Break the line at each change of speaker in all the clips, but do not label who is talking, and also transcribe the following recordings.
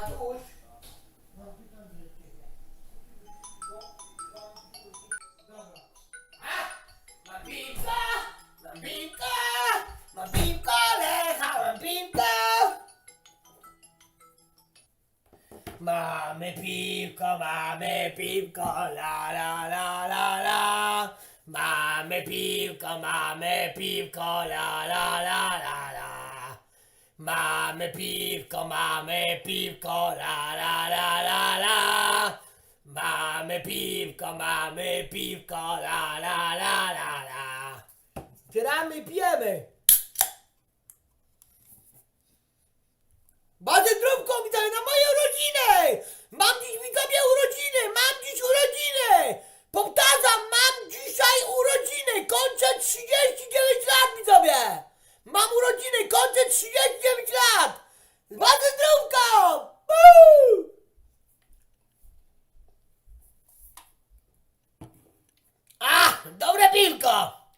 Tatuś. Mam piwka, mam piwka, mam piwka, Lecha, mam piwka. Mamy piwko, la la la la la. Mamy piwko, la la la la la. Mamy piwko, la la la la la. Mamy piwko, la la la la la. Otwieramy i pijemy. Bardzo zdrówko, widzowie, na moje urodziny! Mam dziś, widzowie, urodziny! Mam dziś urodziny! Powtarzam, mam dzisiaj urodziny! Kończę 39 lat, widzowie! Mam urodziny, kończę 39 lat! Bardzo zdrówko! Woo! Dobre piwko!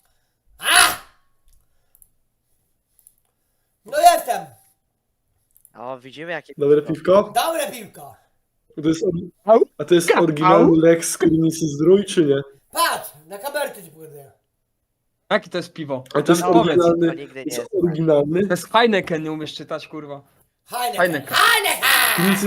No jestem!
O, widzimy jakie...
Dobre piwko?
Dobre piwko!
A to jest oryginalny Lex z Krynicy Zdrój, czy nie?
Patrz, na kamerce ci pokazuję.
Jakie to jest piwo?
A to jest
No, powiedz,
oryginalny.
to nigdy nie
To jest
jest.
oryginalny.
To jest Heineken, nie umiesz czytać, kurwa.
Heineken!
Heineken.
Heineken!
Krynicy